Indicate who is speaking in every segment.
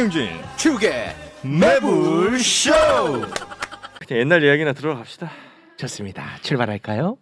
Speaker 1: 김용진
Speaker 2: 축의
Speaker 1: 매불쇼. 그냥 옛날 이야기나 들어갑시다.
Speaker 2: 좋습니다. 출발할까요?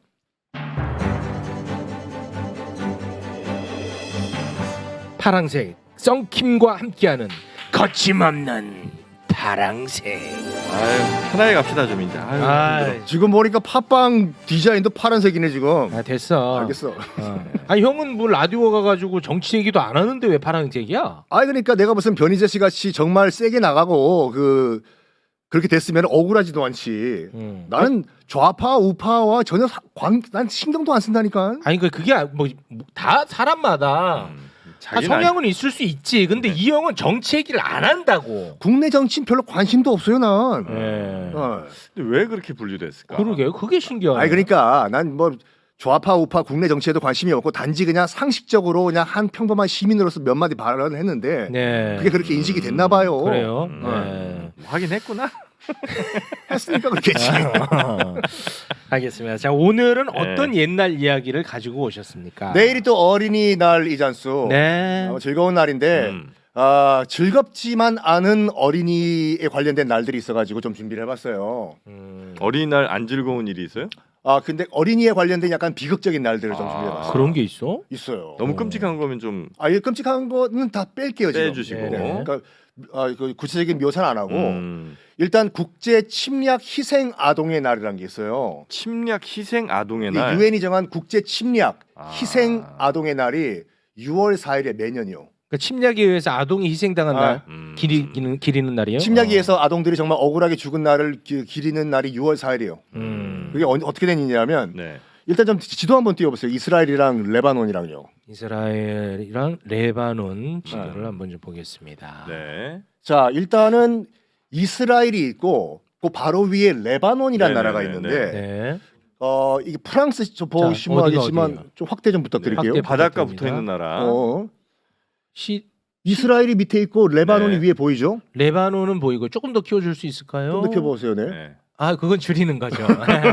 Speaker 2: 파랑색 썬킴과 함께하는 거침없는 파랑색.
Speaker 1: 아유, 편하게 갑시다 좀 이제. 아유, 힘들어.
Speaker 3: 지금 보니까 팟빵 디자인도 파란색이네 지금.
Speaker 2: 아 됐어.
Speaker 3: 알겠어.
Speaker 2: 아 형은 뭐 라디오 가가지고 정치 얘기도 안 하는데 왜 파랑색이야?
Speaker 3: 아니 그러니까 내가 무슨 변희재 씨 같이 정말 세게 나가고 그렇게 됐으면 억울하지도 않지. 나는 좌파 우파와 전혀 난 신경도 안 쓴다니까.
Speaker 2: 아니 그게 뭐 다 사람마다 다
Speaker 1: 자기는
Speaker 2: 성향은 있을 수 있지. 근데 이 형은 정치 얘기를 안 한다고.
Speaker 3: 국내 정치는 별로 관심도 없어요 난.
Speaker 2: 예.
Speaker 1: 근데 왜 그렇게 분류됐을까?
Speaker 2: 그러게요. 그게 신기하네.
Speaker 3: 아니 그러니까 난 뭐 좌파 우파 국내 정치에도 관심이 없고 단지 그냥 상식적으로 그냥 한 평범한 시민으로서 몇 마디 발언을 했는데
Speaker 2: 네.
Speaker 3: 그게 그렇게 인식이 됐나 봐요.
Speaker 2: 그래요. 네.
Speaker 1: 하긴 했구나.
Speaker 3: 했으니까 그렇겠지.
Speaker 2: 알겠습니다. 자 오늘은
Speaker 1: 네.
Speaker 2: 어떤 옛날 이야기를 가지고 오셨습니까?
Speaker 3: 내일이 또 어린이날이잖소.
Speaker 2: 네.
Speaker 3: 즐거운 날인데 즐겁지만 않은 어린이에 관련된 날들이 있어가지고 좀 준비를 해봤어요.
Speaker 1: 어린이날 안 즐거운 일이 있어요?
Speaker 3: 근데 어린이에 관련된 약간 비극적인 날들을 좀 준비해봤어요.
Speaker 2: 그런 게 있어?
Speaker 3: 있어요.
Speaker 1: 너무 끔찍한 거면 좀
Speaker 3: 이 끔찍한 거는 다 뺄게요 지금.
Speaker 1: 빼주시고.
Speaker 2: 네.
Speaker 3: 그러니까 그 구체적인 묘사는 안 하고 일단 국제 침략 희생 아동의 날이라는 게 있어요.
Speaker 1: 침략 희생 아동의 날.
Speaker 3: 유엔이 정한 국제 침략 희생 아동의 날이 6월 4일에 매년이요.
Speaker 2: 그러니까 침략에 의해서 아동이 희생당한 날 기리는 날이에요?
Speaker 3: 침략에 의해서 아동들이 정말 억울하게 죽은 날을 기리는 날이 6월 4일이에요. 그게 어떻게 된 일이냐면
Speaker 1: 네.
Speaker 3: 일단 좀 지도 한번 띄워보세요. 이스라엘이랑 레바논이랑요.
Speaker 2: 이스라엘이랑 레바논 지도를 한번 좀 보겠습니다.
Speaker 1: 네.
Speaker 3: 자 일단은 이스라엘이 있고 그 바로 위에 레바논이라는
Speaker 1: 네네네,
Speaker 3: 나라가 있는데
Speaker 2: 네.
Speaker 3: 이게 프랑스 저 보시면
Speaker 2: 어디가
Speaker 3: 알겠지만
Speaker 2: 어디예요?
Speaker 3: 좀 확대 좀 부탁드릴게요.
Speaker 2: 확대.
Speaker 1: 바닷가
Speaker 2: 부탁드립니다.
Speaker 1: 붙어 있는 나라.
Speaker 3: 이스라엘이 밑에 있고 레바논이
Speaker 1: 네.
Speaker 3: 위에 보이죠?
Speaker 2: 레바논은 보이고 조금 더 키워줄 수 있을까요?
Speaker 3: 좀 더 켜보세요. 네.
Speaker 1: 네.
Speaker 2: 아 그건 줄이는 거죠.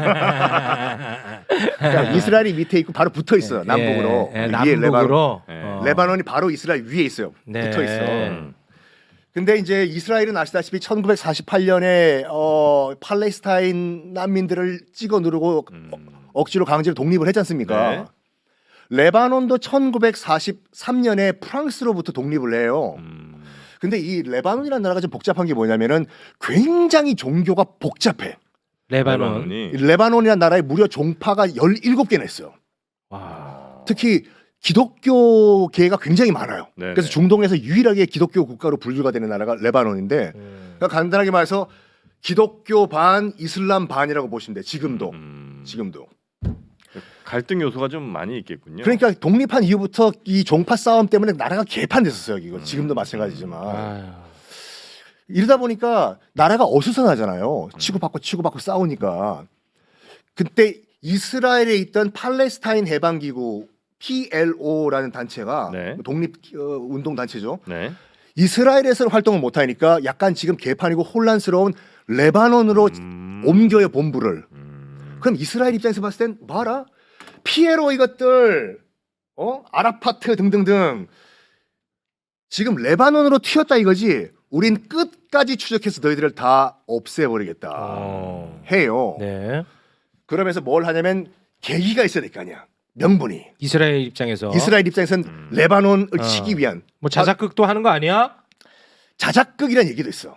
Speaker 3: 그러니까 이스라엘이 밑에 있고 바로 붙어 있어요. 남북으로.
Speaker 2: 예,
Speaker 3: 위에
Speaker 2: 남북으로.
Speaker 1: 네.
Speaker 3: 레바논이 바로 이스라엘 위에 있어요.
Speaker 2: 네.
Speaker 3: 붙어 있어. 근데 이제 이스라엘은 아시다시피 1948년에 팔레스타인 난민들을 찍어 누르고 억지로 강제로 독립을 했지 않습니까?
Speaker 1: 네.
Speaker 3: 레바논도 1943년에 프랑스로부터 독립을 해요. 근데 이 레바논이라는 나라가 좀 복잡한 게 뭐냐면은 굉장히 종교가 복잡해.
Speaker 2: 레바논.
Speaker 3: 이 레바논이라는 나라에 무려 종파가 17개나 있어요.
Speaker 2: 와.
Speaker 3: 특히 기독교계가 굉장히 많아요.
Speaker 1: 네네.
Speaker 3: 그래서 중동에서 유일하게 기독교 국가로 분류가 되는 나라가 레바논인데 그러니까 간단하게 말해서 기독교 반 이슬람 반이라고 보시면 돼. 지금도.
Speaker 1: 갈등 요소가 좀 많이 있겠군요.
Speaker 3: 그러니까 독립한 이후부터 이 종파 싸움 때문에 나라가 개판됐었어요. 이거 지금도 마찬가지지만
Speaker 2: 아유.
Speaker 3: 이러다 보니까 나라가 어수선하잖아요. 치고받고 싸우니까. 그때 이스라엘에 있던 팔레스타인 해방기구 PLO라는 단체가
Speaker 1: 네.
Speaker 3: 독립 운동 단체죠.
Speaker 1: 네.
Speaker 3: 이스라엘에서는 활동을 못 하니까 약간 지금 개판이고 혼란스러운 레바논으로 옮겨요 본부를. 그럼 이스라엘 입장에서 봤을 땐 뭐하라? 피에로 이것들 아라파트 등등등 지금 레바논으로 튀었다 이거지. 우린 끝까지 추적해서 너희들을 다 없애버리겠다 해요.
Speaker 2: 네.
Speaker 3: 그러면서 뭘 하냐면 계기가 있어야 될 거 아니야. 명분이.
Speaker 2: 이스라엘 입장에서
Speaker 3: 이스라엘 입장에서는 레바논을 치기 위한
Speaker 2: 뭐 자작극도 하는 거 아니야?
Speaker 3: 자작극이라는 얘기도 있어.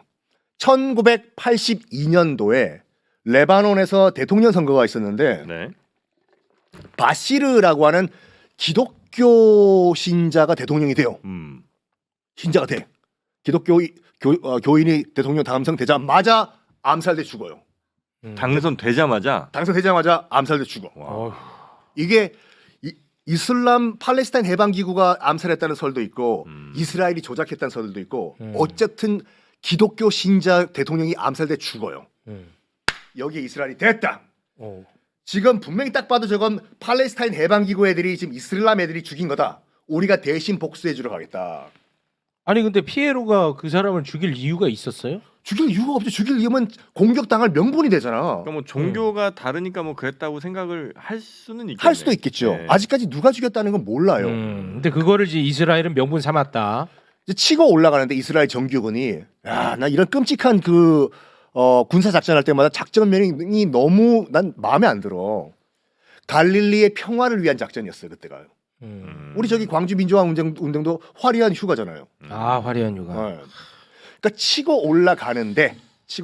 Speaker 3: 1982년도에 레바논에서 대통령 선거가 있었는데
Speaker 1: 네.
Speaker 3: 바시르라고 하는 기독교 신자가 대통령이 돼요. 신자가 돼. 기독교 교인이 대통령 당선되자마자 암살돼 죽어요.
Speaker 1: 당선되자마자.
Speaker 3: 당선되자마자 암살돼 죽어.
Speaker 1: 와.
Speaker 3: 이게 이슬람 팔레스타인 해방기구가 암살했다는 설도 있고 이스라엘이 조작했다는 설도 있고 어쨌든 기독교 신자 대통령이 암살돼 죽어요. 여기에 이스라엘이 됐다. 지금 분명히 딱 봐도 저건 팔레스타인 해방기구 애들이 지금 이슬람 애들이 죽인 거다. 우리가 대신 복수해주러 가겠다.
Speaker 2: 아니 근데 피에로가 그 사람을 죽일 이유가 있었어요?
Speaker 3: 죽일 이유가 없지. 죽일 이유면 공격당할 명분이 되잖아.
Speaker 1: 그러니까 뭐 종교가 다르니까 뭐 그랬다고 생각을 할 수는 있겠네.
Speaker 3: 할 수도 있겠죠.
Speaker 1: 네.
Speaker 3: 아직까지 누가 죽였다는 건 몰라요.
Speaker 2: 근데 그거를 이제 이스라엘은 명분 삼았다.
Speaker 3: 이제 치고 올라가는데 이스라엘 정규군이 야, 나 이런 끔찍한 그 군사 작전할 때마다 작전명이 너무 난 마음에 안 들어. 갈릴리의 평화를 위한 작전이었어요 그때가. 우리 저기 광주 민주화 운동도 화려한 휴가잖아요.
Speaker 2: 아 화려한 휴가.
Speaker 3: 그러니까 치고 올라가는데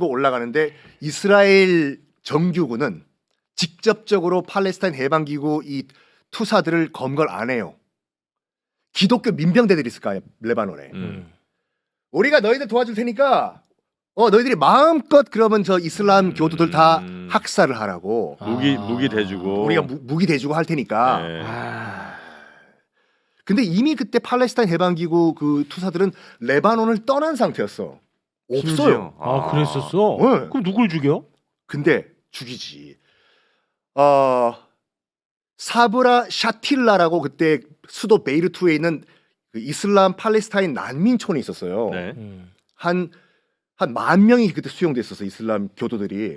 Speaker 3: 이스라엘 정규군은 직접적으로 팔레스타인 해방기구 이 투사들을 검걸 안 해요. 기독교 민병대들이 있을 거예요 레바논에. 우리가 너희들 도와줄 테니까 너희들이 마음껏 그러면 저 이슬람 교도들 다 학살을 하라고.
Speaker 1: 무기 대주고
Speaker 3: 우리가 무기 대주고 할 테니까.
Speaker 1: 네.
Speaker 3: 근데 이미 그때 팔레스타인 해방기구 그 투사들은 레바논을 떠난 상태였어. 없어요.
Speaker 1: 심지어.
Speaker 2: 아 그랬었어?
Speaker 3: 네.
Speaker 2: 그럼 누굴 죽여?
Speaker 3: 근데 죽이지. 사브라 샤틸라라고 그때 수도 베이루트에 있는 그 이슬람 팔레스타인 난민촌이 있었어요.
Speaker 1: 네.
Speaker 3: 한 10,000명이 그때 수용됐었어 이슬람 교도들이.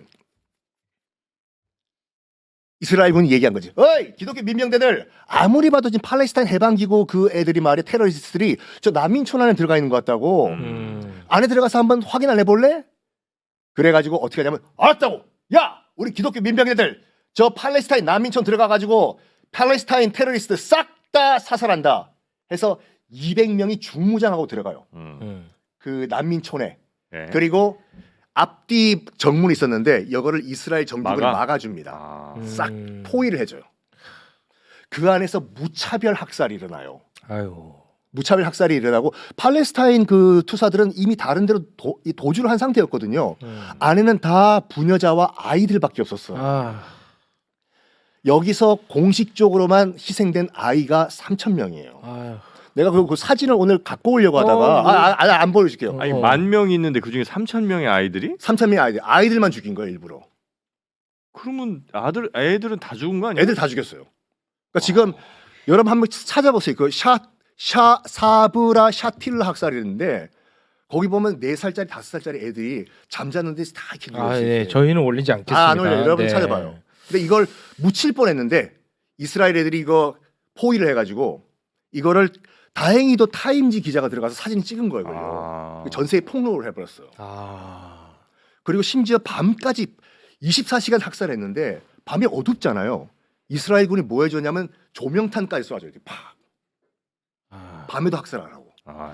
Speaker 3: 이스라엘군이 얘기한 거지. 어이 기독교 민병대들 아무리 봐도 지금 팔레스타인 해방기구 그 애들이 말이야 테러리스트들이 저 난민촌 안에 들어가 있는 것 같다고. 안에 들어가서 한번 확인 안 해볼래? 그래가지고 어떻게 하냐면 알았다고. 야 우리 기독교 민병대들 저 팔레스타인 난민촌 들어가가지고 팔레스타인 테러리스트 싹 다 사살한다. 해서 200명이 중무장하고 들어가요. 그 난민촌에.
Speaker 1: 네.
Speaker 3: 그리고 앞뒤 정문이 있었는데 이거를 이스라엘 정부군이 막아줍니다. 싹 포위를 해줘요. 그 안에서 무차별 학살이 일어나요.
Speaker 2: 아유.
Speaker 3: 무차별 학살이 일어나고 팔레스타인 그 투사들은 이미 다른 데로 도주를 한 상태였거든요. 안에는 다 부녀자와 아이들밖에 없었어요.
Speaker 2: 아.
Speaker 3: 여기서 공식적으로만 희생된 아이가 3,000명이에요.
Speaker 2: 아유.
Speaker 3: 내가 그 사진을 오늘 갖고 오려고 하다가 안 보여줄게요.
Speaker 1: 아니 10,000명이 있는데 그중에 3,000명의 아이들이?
Speaker 3: 3,000명의 아이들만 죽인 거예요 일부러.
Speaker 1: 그러면 애들은 다 죽은 거 아니야?
Speaker 3: 애들 다 죽였어요. 그러니까 지금 여러분 한번 찾아보세요. 그 사브라 샤틸라 학살이었는데 거기 보면 4살짜리 5살짜리 애들이 잠자는 데서 다 이렇게 누워 있어요.
Speaker 2: 네. 저희는 올리지 않겠습니다.
Speaker 3: 안 올려요. 여러분
Speaker 2: 네.
Speaker 3: 찾아봐요. 근데 이걸 묻힐 뻔했는데 이스라엘 애들이 이거 포위를 해가지고 이거를 다행히도 타임지 기자가 들어가서 사진 찍은 거예요. 그걸요. 전세에 폭로를 해버렸어요. 그리고 심지어 밤까지 24시간 학살했는데 밤에 어둡잖아요. 이스라엘군이 뭐 해줬냐면 조명탄까지 쏴줘요. 이렇게 팍. 밤에도 학살하라고.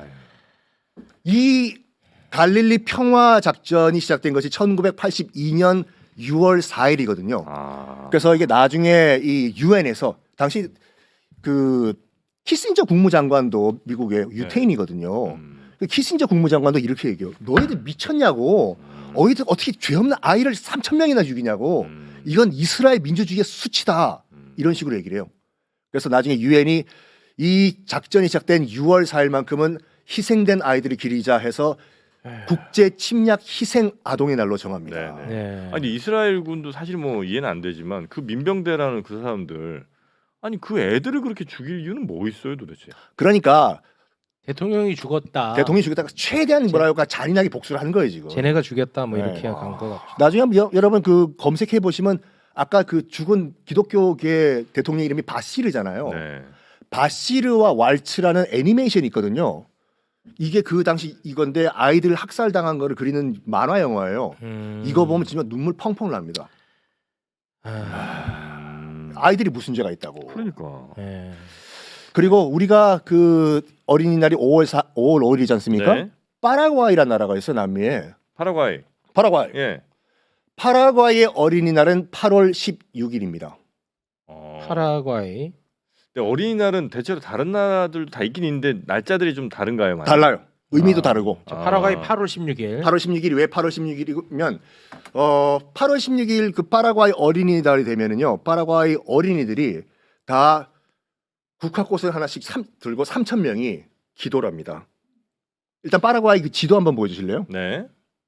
Speaker 3: 이 갈릴리 평화 작전이 시작된 것이 1982년 6월 4일이거든요. 그래서 이게 나중에 이 유엔에서 당시 그 키신저 국무장관도 미국의 유태인이거든요. 그 키신저 국무장관도 이렇게 얘기해요. 너희들 미쳤냐고. 너희들 어떻게 죄 없는 아이를 3,000명이나 죽이냐고. 이건 이스라엘 민주주의의 수치다. 이런 식으로 얘기를 해요. 그래서 나중에 유엔이 이 작전이 시작된 6월 4일만큼은 희생된 아이들을 기리자 해서 국제 침략 희생 아동의 날로 정합니다.
Speaker 2: 네.
Speaker 1: 아니 이스라엘군도 사실 뭐 이해는 안 되지만 그 민병대라는 그 사람들 아니 그 애들을 그렇게 죽일 이유는 뭐 있어요 도대체?
Speaker 3: 그러니까
Speaker 2: 대통령이 죽었다.
Speaker 3: 대통령이 죽였다가 최대한 뭐랄까 잔인하게 복수를 하는 거예요 지금.
Speaker 2: 쟤네가 죽였다 뭐 이렇게
Speaker 3: 네.
Speaker 2: 간 거 같아.
Speaker 3: 나중에 한번 여러분 그 검색해 보시면 아까 그 죽은 기독교계 대통령 이름이 바시르잖아요.
Speaker 1: 네.
Speaker 3: 바시르와 왈츠라는 애니메이션이 있거든요. 이게 그 당시 이건데 아이들 학살당한 거를 그리는 만화 영화예요. 이거 보면 진짜 눈물 펑펑 납니다. 아이들이 무슨 죄가 있다고.
Speaker 1: 그러니까.
Speaker 2: 네.
Speaker 3: 그리고 우리가 그 어린이날이 5월 5일이지 않습니까?
Speaker 1: 네.
Speaker 3: 파라과이라는 나라가 있어 남미에.
Speaker 1: 파라과이.
Speaker 3: 파라과이.
Speaker 1: 예.
Speaker 3: 파라과이의 어린이날은 8월 16일입니다.
Speaker 2: 파라과이.
Speaker 1: 근데 어린이날은 대체로 다른 나라들도 다 있긴 있는데 날짜들이 좀 다른가요? 많이?
Speaker 3: 달라요. 의미도 다르고.
Speaker 2: 파라과이 8월 16일.
Speaker 3: 8월 16일이 왜 8월 16일이면 8월 16일 그 파라과이 어린이날이 되면은요. 파라과이 어린이들이 다 국화꽃을 하나씩 들고 3,000명이 기도를 합니다. 일단 파라과이 그 지도 한번 보여 주실래요?
Speaker 1: 네.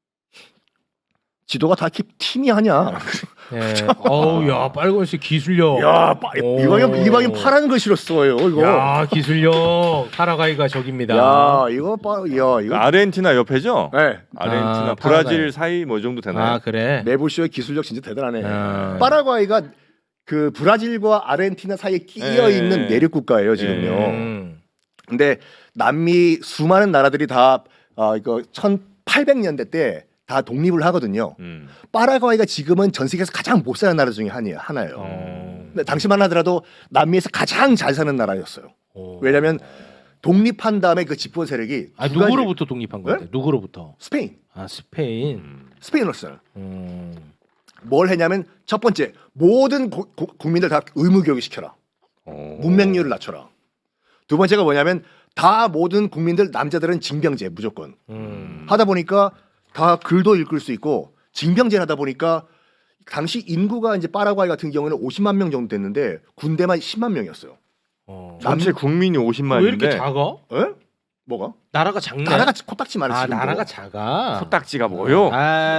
Speaker 3: 지도가 다 이렇게 팀이하냐?
Speaker 2: 네. 어우 야 빨간색 기술력.
Speaker 3: 야,
Speaker 2: 오.
Speaker 3: 이방인 파란 거 실었어요. 이거.
Speaker 2: 야 기술력. 파라과이가 적입니다.
Speaker 3: 야, 이거 이거.
Speaker 1: 아르헨티나 옆에죠?
Speaker 3: 네.
Speaker 1: 아르헨티나,
Speaker 2: 아,
Speaker 1: 브라질
Speaker 2: 파라과이.
Speaker 1: 사이 뭐 이 정도 되나요?
Speaker 2: 아 그래.
Speaker 3: 메부쇼의 기술력 진짜 대단하네.
Speaker 2: 아.
Speaker 3: 파라과이가 그 브라질과 아르헨티나 사이에 끼어 있는 내륙 국가예요, 지금요. 근데 남미 수많은 나라들이 다 이거 1800년대 때 다 독립을 하거든요. 파라과이가 지금은 전 세계에서 가장 못 사는 나라 중에 하나예요. 근데 당시만 하더라도 남미에서 가장 잘 사는 나라였어요. 왜냐하면 독립한 다음에 그 집권 세력이 두 가지-
Speaker 2: 누구로부터 독립한 건데?
Speaker 3: 네?
Speaker 2: 누구로부터?
Speaker 3: 스페인.
Speaker 2: 스페인.
Speaker 3: 스페인으로서요. 뭘 했냐면 첫 번째 모든 국민들 다 의무 교육을 시켜라. 문맹률을 낮춰라. 두 번째가 뭐냐면 다 모든 국민들 남자들은 징병제 무조건 하다 보니까 다 글도 읽을 수 있고 징병제를 하다 보니까 당시 인구가 이제 파라과이 같은 경우는 50만 명 정도 됐는데 군대만 10만 명이었어요.
Speaker 1: 전체 국민이 50만인데
Speaker 2: 왜 이렇게 작아?
Speaker 3: 에? 뭐가?
Speaker 2: 나라가 작네.
Speaker 3: 나라가 코딱지만
Speaker 2: 아
Speaker 3: 지금도.
Speaker 2: 나라가 작아.
Speaker 1: 코딱지가 뭐요?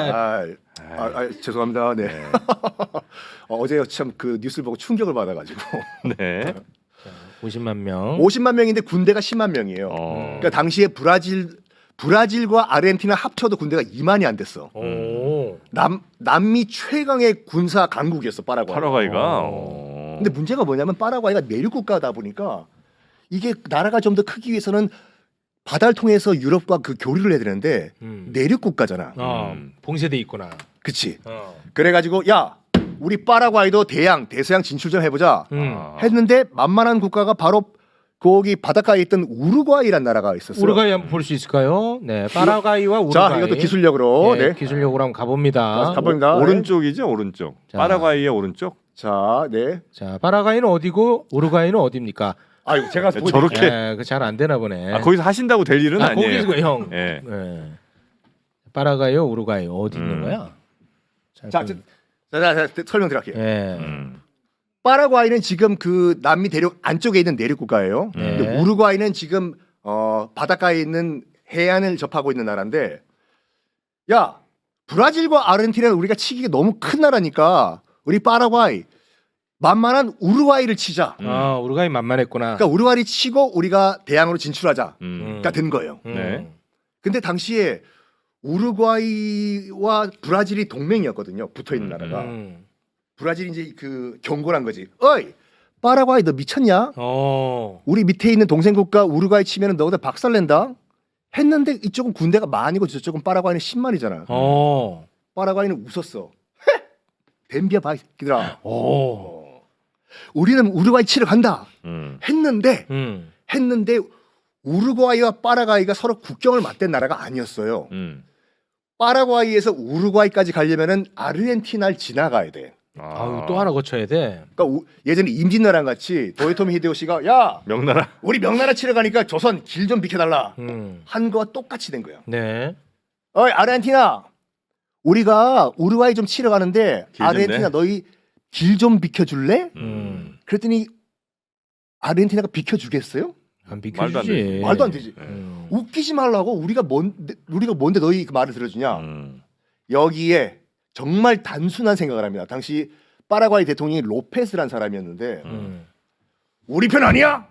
Speaker 3: 죄송합니다. 네. 어제 참 그 뉴스를 보고 충격을 받아가지고
Speaker 1: 네.
Speaker 2: 50만 명.
Speaker 3: 50만 명인데 군대가 10만 명이에요. 그러니까 당시에 브라질과 아르헨티나 합쳐도 군대가 2만이 안 됐어. 남미 최강의 군사 강국이었어 파라과이.
Speaker 1: 파라과이가.
Speaker 3: 근데 문제가 뭐냐면 파라과이가 내륙 국가다 보니까 이게 나라가 좀 더 크기 위해서는 바다를 통해서 유럽과 그 교류를 해야 되는데 내륙 국가잖아.
Speaker 2: 봉쇄돼 있구나.
Speaker 3: 그치. 그래가지고 야 우리 파라과이도 대서양 진출 좀 해보자 했는데 만만한 국가가 바로 거기 바닷가에 있던 우루과이란 나라가 있었어요.
Speaker 2: 우루과이 한번 볼 수 있을까요? 네, 파라과이와 우루과이.
Speaker 3: 자 이것도 기술력으로
Speaker 2: 네,
Speaker 3: 네.
Speaker 2: 기술력으로 한번 가봅니다.
Speaker 3: 가봅니다.
Speaker 1: 오른쪽이죠, 오른쪽.
Speaker 2: 자.
Speaker 1: 파라과이의 오른쪽.
Speaker 3: 자, 네.
Speaker 2: 자, 파라과이는 어디고 우루과이는 어디입니까?
Speaker 3: 아유 제가
Speaker 1: 저렇게.
Speaker 2: 네, 그잘 안 되나 보네.
Speaker 1: 거기서 하신다고 될 일은 아니에요.
Speaker 2: 거기서 형.
Speaker 1: 예.
Speaker 2: 네. 파라과이요, 우루과이 어디 있는 거야?
Speaker 3: 자, 설명드릴게요.
Speaker 2: 예.
Speaker 3: 파라과이는 지금 그 남미 대륙 안쪽에 있는 내륙 국가예요.
Speaker 2: 네.
Speaker 3: 근데 우루과이는 지금 바닷가에 있는 해안을 접하고 있는 나라인데, 야 브라질과 아르헨티나는 우리가 치기가 너무 큰 나라니까 우리 파라과이 만만한 우루과이를 치자.
Speaker 2: 우루과이 만만했구나.
Speaker 3: 그러니까 우루과이 치고 우리가 대양으로 진출하자가 된 거예요.
Speaker 1: 네.
Speaker 3: 근데 당시에 우루과이와 브라질이 동맹이었거든요. 붙어 있는 나라가. 브라질이 이제 그 경고란 거지. 어이, 파라과이 너 미쳤냐? 우리 밑에 있는 동생 국가 우루과이 치면은 너희들 박살낸다. 했는데 이쪽은 군대가 만이고 저쪽은 파라과이는 10만이잖아. 파라과이는 웃었어. 댐비야 봐, 기들아. 우리는 우루과이 치러 간다. 했는데 우루과이와 파라과이가 서로 국경을 맞댄 나라가 아니었어요. 파라과이에서 우루과이까지 가려면은 아르헨티나를 지나가야 돼.
Speaker 2: 또 하나 거쳐야 돼.
Speaker 3: 그러니까 예전에 임진왜란 같이 도요토미 히데요시가 야
Speaker 1: 명나라.
Speaker 3: 우리 명나라 치러 가니까 조선 길 좀 비켜달라 한 거와 똑같이 된 거야.
Speaker 2: 네.
Speaker 3: 어이 아르헨티나 우리가 우루과이 좀 치러 가는데
Speaker 1: 길 좀
Speaker 3: 아르헨티나
Speaker 1: 내?
Speaker 3: 너희 길 좀 비켜줄래? 그랬더니 아르헨티나가 비켜주겠어요?
Speaker 2: 안
Speaker 1: 말도 안 되지.
Speaker 2: 비켜주지.
Speaker 3: 말도 안 되지. 웃기지 말라고 우리가 뭔데 너희 그 말을 들어주냐? 여기에 정말 단순한 생각을 합니다. 당시 파라과이 대통령이 로페스란 사람이었는데 우리 편 아니야?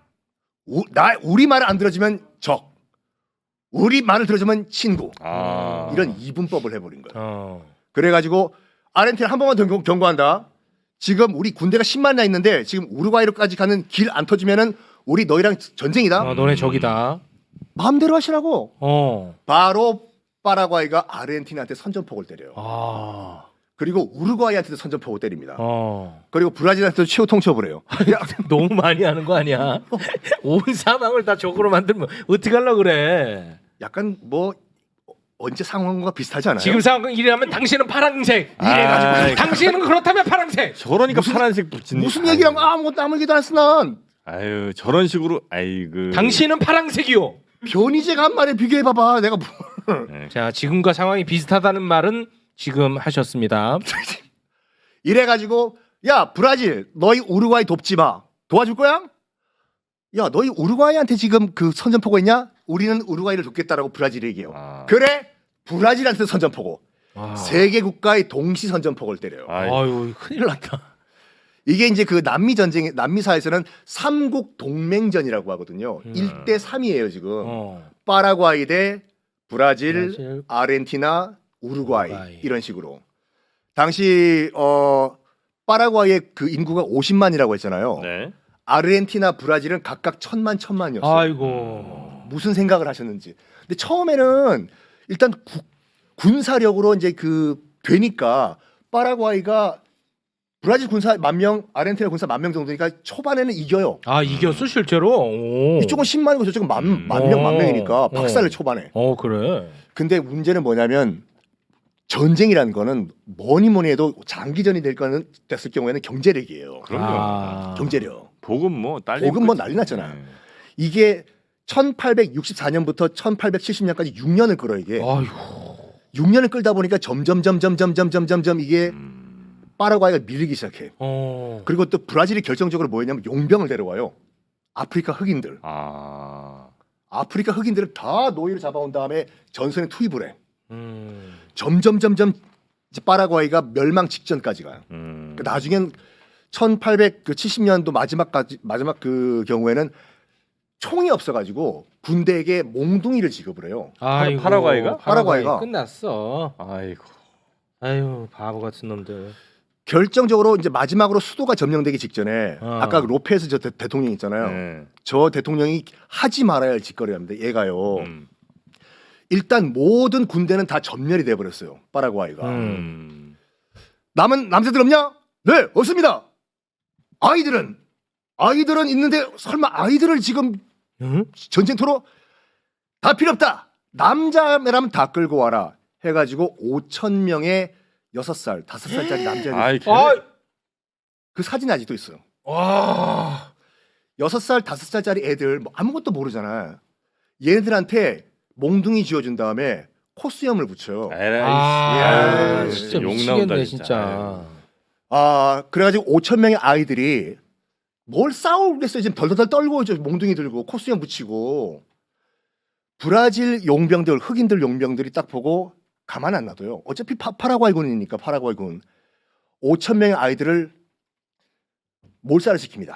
Speaker 3: 우리 말을 안 들어주면 적, 우리 말을 들어주면 친구. 이런 이분법을 해버린 거예요. 그래가지고 아르헨티나 한 번만 더 경고한다. 지금 우리 군대가 10만이나 있는데 지금 우루과이로까지 가는 길 안 터지면은 우리 너희랑 전쟁이다.
Speaker 2: 너네 적이다.
Speaker 3: 마음대로 하시라고. 바로 파라과이가 아르헨티나한테 선전폭을 때려요. 그리고 우루과이한테도 선전폭을 때립니다. 그리고 브라질한테도 최후 통첩을 해요.
Speaker 2: 너무 많이 하는 거 아니야? 온 사방을 다 적으로 만들면 어떻게 하려고 그래?
Speaker 3: 약간 뭐 언제 상황과 비슷하지 않아요?
Speaker 2: 지금 상황 이래하면 당신은 파란색. 이래가지고 당신은 그렇다면 파란색.
Speaker 1: 저러니까 파란색 붙이는.
Speaker 3: 무슨 얘기랑 아무것도 아무 얘기도 안 했어 난.
Speaker 1: 아유 저런 식으로 아이고.
Speaker 2: 당신은 파란색이요.
Speaker 3: 변희재가 한 말에 비교해 봐봐. 내가 뭘.
Speaker 2: 자 지금과 상황이 비슷하다는 말은 지금 하셨습니다.
Speaker 3: 이래가지고 야 브라질 너희 우루과이 돕지 마. 도와줄 거야? 야 너희 우루과이한테 지금 그 선전포고 있냐? 우리는 우루과이를 돕겠다라고 브라질이 얘기해요. 그래 브라질한테 선전포고. 세계 국가의 동시 선전포고를 때려요.
Speaker 2: 아유 큰일 났다.
Speaker 3: 이게 이제 그 남미 전쟁 남미사에서는 삼국 동맹전이라고 하거든요. 1대 3이에요 지금. 파라과이 대 브라질, 아르헨티나, 우루과이 이런 식으로. 당시 파라과이의 그 인구가 50만이라고 했잖아요.
Speaker 1: 네.
Speaker 3: 아르헨티나, 브라질은 각각 1000만이었어요.
Speaker 2: 아이고.
Speaker 3: 무슨 생각을 하셨는지. 근데 처음에는 일단 군사력으로 이제 그 되니까 파라과이가 브라질 군사 10,000명, 아르헨티나 군사 10,000명 정도니까 초반에는 이겨요.
Speaker 2: 아 이겼어 실제로. 오.
Speaker 3: 이쪽은 10만이고 저쪽은 만 명이니까 박살을 초반에.
Speaker 2: 그래.
Speaker 3: 근데 문제는 뭐냐면 전쟁이라는 거는 뭐니 해도 장기전이 됐을 경우에는 경제력이에요.
Speaker 1: 그럼요.
Speaker 3: 경제력.
Speaker 1: 복음 뭐 딸리.
Speaker 3: 복음 뭐 난리 났잖아요. 이게 1864년부터 1870년까지 6년을 끌어 이게.
Speaker 2: 아이고.
Speaker 3: 6년을 끌다 보니까 점점 이게 파라과이가 밀리기 시작해. 그리고 또 브라질이 결정적으로 뭐였냐면 용병을 데려와요. 아프리카 흑인들. 아프리카 흑인들을 다 노예로 잡아온 다음에 전선에 투입을 해. 점점 이제 파라과이가 멸망 직전까지 가요. 그러니까 나중엔 1870년도 마지막 그 경우에는 총이 없어가지고 군대에게 몽둥이를 지급을 해요.
Speaker 2: 아이고,
Speaker 1: 파라과이가?
Speaker 3: 파라과이가.
Speaker 2: 끝났어.
Speaker 1: 아이고.
Speaker 2: 아유 바보 같은 놈들.
Speaker 3: 결정적으로 이제 마지막으로 수도가 점령되기 직전에 아까 그 로페스 저 대통령 있잖아요.
Speaker 1: 네.
Speaker 3: 저 대통령이 하지 말아야 할 짓거리를 합니다. 얘가요. 일단 모든 군대는 다 전멸이 돼 버렸어요. 파라과이가. 남은 남자들 없냐? 네, 없습니다. 아이들은 있는데 설마 아이들을 지금 전쟁터로 다 필요 없다. 남자라면 다 끌고 와라. 해가지고 5,000명의 6살, 5살짜리 남자들.
Speaker 1: 아이,
Speaker 3: 그 사진 아직도 있어요.
Speaker 2: 와.
Speaker 3: 6살, 5살짜리 애들 뭐 아무것도 모르잖아. 얘네들한테 몽둥이 쥐어준 다음에 코수염을 붙여요.
Speaker 1: 에라이.
Speaker 2: 진짜
Speaker 1: 욕
Speaker 2: 미치겠네
Speaker 1: 나온다,
Speaker 2: 진짜.
Speaker 3: 그래가지고 5,000명의 아이들이 뭘 싸우겠어요. 지금 덜덜덜 떨고 이제 몽둥이 들고 코수염 붙이고. 브라질 용병들, 흑인들 용병들이 딱 보고 가만 안 놔둬요. 어차피 파라과이군이니까 파라과이군 5,000명의 아이들을 몰살을 시킵니다.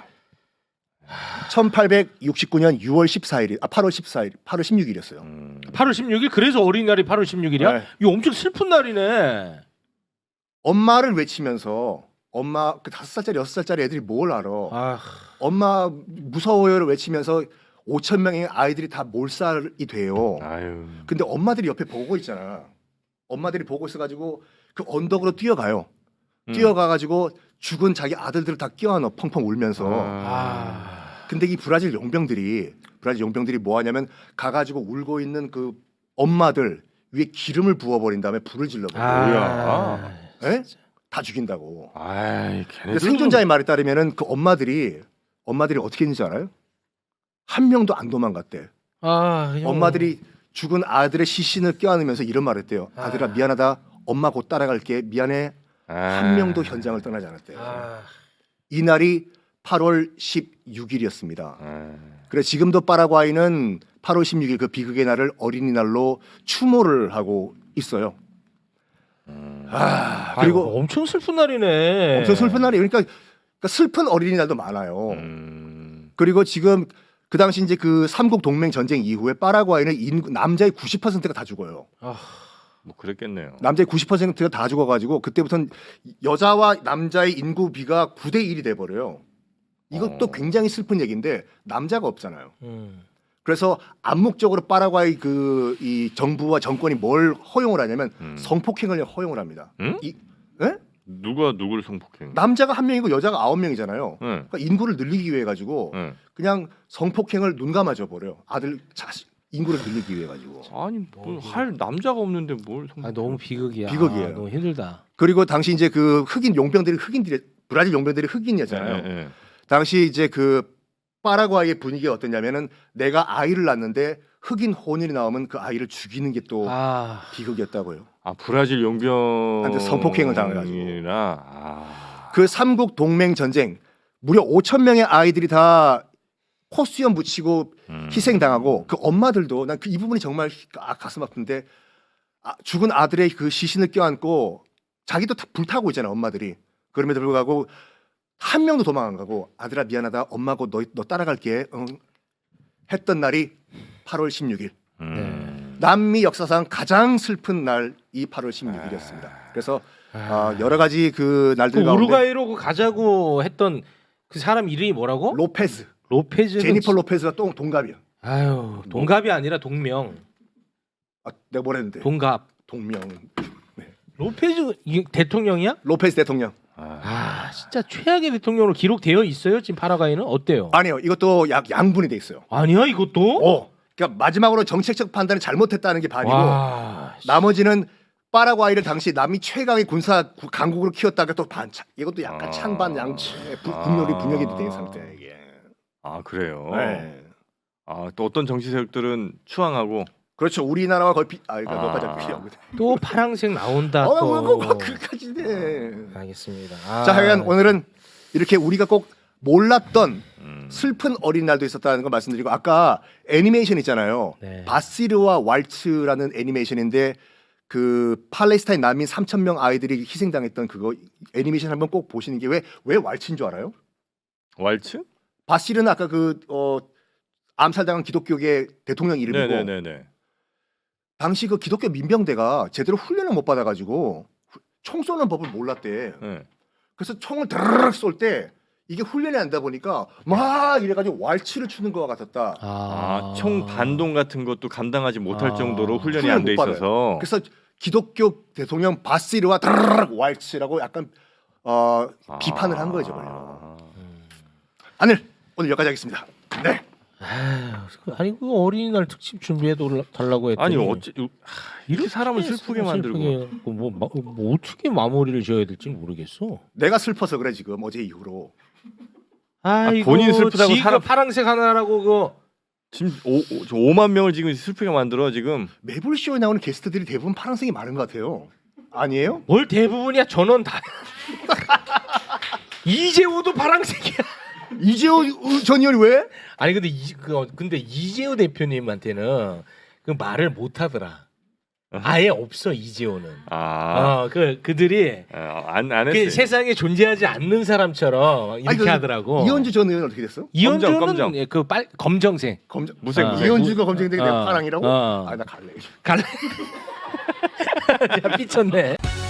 Speaker 3: 1869년 6월 14일, 8월 14일, 8월 16일이었어요.
Speaker 2: 8월 16일 그래서 어린이날이 8월 16일이야?
Speaker 3: 네.
Speaker 2: 이거 엄청 슬픈 날이네.
Speaker 3: 엄마를 외치면서 엄마 그 5살짜리 6살짜리 애들이 뭘 알아? 엄마 무서워요를 외치면서 5,000명의 아이들이 다 몰살이 돼요.
Speaker 1: 아유.
Speaker 3: 근데 엄마들이 옆에 보고 있잖아. 엄마들이 보고 있어가지고 그 언덕으로 뛰어가요. 뛰어가가지고 죽은 자기 아들들을 다 끼워넣어 펑펑 울면서. 근데 이 브라질 용병들이 뭐 하냐면 가가지고 울고 있는 그 엄마들 위에 기름을 부어버린 다음에 불을 질러버려.
Speaker 1: 뭐야?
Speaker 3: 예? 다 죽인다고.
Speaker 1: 아이,
Speaker 3: 근데
Speaker 1: 걔네들
Speaker 3: 생존자의 말에 따르면은 그 엄마들이 어떻게 했는지 알아요? 한 명도 안 도망갔대. 엄마들이 죽은 아들의 시신을 껴안으면서 이런 말을 했대요. 아들아 미안하다. 엄마 곧 따라갈게. 미안해. 한 명도 현장을 떠나지 않았대요. 이날이 8월 16일이었습니다. 그래서 지금도 파라과이는 8월 16일 그 비극의 날을 어린이날로 추모를 하고 있어요. 그리고
Speaker 2: 엄청 슬픈 날이네.
Speaker 3: 엄청 슬픈 날이 그러니까 슬픈 어린이날도 많아요. 그리고 지금 그 당시 이제 그 삼국 동맹 전쟁 이후에 파라과이는 남자의 90%가 다 죽어요.
Speaker 1: 뭐 그랬겠네요.
Speaker 3: 남자의 90%가 다 죽어가지고 그때부터는 여자와 남자의 인구 비가 9대 1이 돼 버려요. 이것도 굉장히 슬픈 얘기인데 남자가 없잖아요. 그래서 암묵적으로 파라과이 그 이 정부와 정권이 뭘 허용을 하냐면 성폭행을 허용을 합니다. 예?
Speaker 1: 누가 누구를 성폭행?
Speaker 3: 남자가 1명이고 여자가 9명이잖아요.
Speaker 1: 네.
Speaker 3: 그러니까 인구를 늘리기 위해 가지고 그냥 성폭행을 눈 감아줘 버려. 아들 자식 인구를 늘리기 위해 가지고.
Speaker 1: 아니 뭐 할 남자가 없는데 뭘 성폭행?
Speaker 2: 너무 비극이야.
Speaker 3: 비극이에요.
Speaker 2: 너무 힘들다.
Speaker 3: 그리고 당시 이제 그 흑인 용병들이 브라질 용병들이 흑인이었잖아요.
Speaker 1: 네.
Speaker 3: 당시 이제 그 파라과이의 분위기가 어땠냐면은 내가 아이를 낳는데 흑인 혼인이 나오면 그 아이를 죽이는 게 또 비극이었다고요.
Speaker 1: 브라질 용병한테
Speaker 3: 성폭행을 당해가지고.
Speaker 1: 아.
Speaker 3: 그 삼국 동맹 전쟁 무려 5,000명의 아이들이 다 코수염 붙이고 희생당하고 그 엄마들도 난 그 이 부분이 정말 가슴 아픈데 죽은 아들의 그 시신을 껴안고 자기도 불타고 있잖아 엄마들이. 그럼에도 불구하고 한 명도 도망 안 가고 아들아 미안하다 엄마 곧 너 따라갈게 했던 날이 8월 16일. 남미 역사상 가장 슬픈 날이 8월 16일이었습니다. 그래서 여러 가지 그 날들
Speaker 2: 그
Speaker 3: 가운데
Speaker 2: 우루과이로 가자고 했던 그 사람 이름이 뭐라고?
Speaker 3: 로페즈.
Speaker 2: 로페즈.
Speaker 3: 제니퍼 로페즈가 또 동갑이야.
Speaker 2: 아유 동갑이 아니라 동명.
Speaker 3: 아, 내가 뭐랬는데?
Speaker 2: 동갑.
Speaker 3: 동명.
Speaker 2: 로페즈 이게 대통령이야?
Speaker 3: 로페즈 대통령.
Speaker 2: 아 진짜 최악의 대통령으로 기록되어 있어요 지금 파라과이는 어때요?
Speaker 3: 아니요, 이것도 양분이 돼 있어요.
Speaker 2: 아니야 이것도?
Speaker 3: 그러니까 마지막으로 정책적 판단을 잘못했다는 게 반이고,
Speaker 2: 와,
Speaker 3: 나머지는 파라과이를 당시 남미 최강의 군사 강국으로 키웠다가 또 반. 이것도 약간 찬반 양측 분열이 된 상태야 이게.
Speaker 1: 아 그래요.
Speaker 3: 네.
Speaker 1: 또 어떤 정치 세력들은 추앙하고.
Speaker 3: 그렇죠. 우리나라와 거의 그러니까 몇 가지 필요.
Speaker 2: 또 파랑색 나온다
Speaker 3: 뭐
Speaker 2: 또.
Speaker 3: 그까지네.
Speaker 2: 알겠습니다.
Speaker 3: 자, 하여간 오늘은 이렇게 우리가 꼭 몰랐던 슬픈 어린날도 있었다는 걸 말씀드리고, 아까 애니메이션 있잖아요.
Speaker 2: 네.
Speaker 3: 바시르와 왈츠라는 애니메이션인데 그 팔레스타인 난민 3,000명 아이들이 희생당했던 그거 애니메이션 한번 꼭 보시는 게 왜 왈츠인 줄 알아요?
Speaker 1: 왈츠?
Speaker 3: 바시르는 아까 그 암살당한 기독교계 대통령 이름이고,
Speaker 1: 네네네네.
Speaker 3: 당시 그 기독교 민병대가 제대로 훈련을 못 받아가지고 총 쏘는 법을 몰랐대.
Speaker 1: 네.
Speaker 3: 그래서 총을 드르륵 쏠 때 이게 훈련이 안 되다 보니까 막 이래가지고 왈츠를 추는 것과 같았다.
Speaker 1: 총 반동 같은 것도 감당하지 못할
Speaker 2: 아.
Speaker 1: 정도로 훈련이
Speaker 3: 훈련
Speaker 1: 안 돼
Speaker 3: 못 받아요.
Speaker 1: 있어서.
Speaker 3: 그래서 기독교 대통령 바시르와 드르륵 왈츠라고 약간 비판을 한 거죠. 오늘 여기까지 하겠습니다. 네.
Speaker 2: 아니 그 어린이날 특집 준비해 달라고 했더니
Speaker 1: 아니 이렇게 사람을 슬프게 만들고.
Speaker 2: 뭐 어떻게 마무리를 지어야 될지 모르겠어.
Speaker 3: 내가 슬퍼서 그래 지금 어제 이후로.
Speaker 2: 아이고
Speaker 1: 본인 슬프다고
Speaker 2: 지가
Speaker 1: 사람-
Speaker 2: 파랑색 하나라고 그거.
Speaker 1: 지금 5만 명을 지금 슬프게 만들어 지금.
Speaker 3: 매불쇼에 나오는 게스트들이 대부분 파란색이 많은 것 같아요. 아니에요?
Speaker 2: 뭘 대부분이야 전원 다. 이재호도 파랑색이야.
Speaker 3: 이재호 전 의원이 왜?
Speaker 2: 아니 근데 이재호 대표님한테는 그 말을 못 하더라. 아예 없어 이재호는. 그들이
Speaker 1: 안
Speaker 2: 그
Speaker 1: 했어요.
Speaker 2: 세상에 존재하지 않는 사람처럼 이렇게
Speaker 3: 아니,
Speaker 2: 하더라고.
Speaker 3: 이현주 전 의원 어떻게 됐어?
Speaker 2: 이현주는
Speaker 1: 검정.
Speaker 2: 예, 검정색.
Speaker 1: 무색.
Speaker 3: 이현주가 검증되게 내가 파랑이라고?
Speaker 2: 어.
Speaker 3: 나 갈래.
Speaker 2: 갈래. 야, 삐쳤네.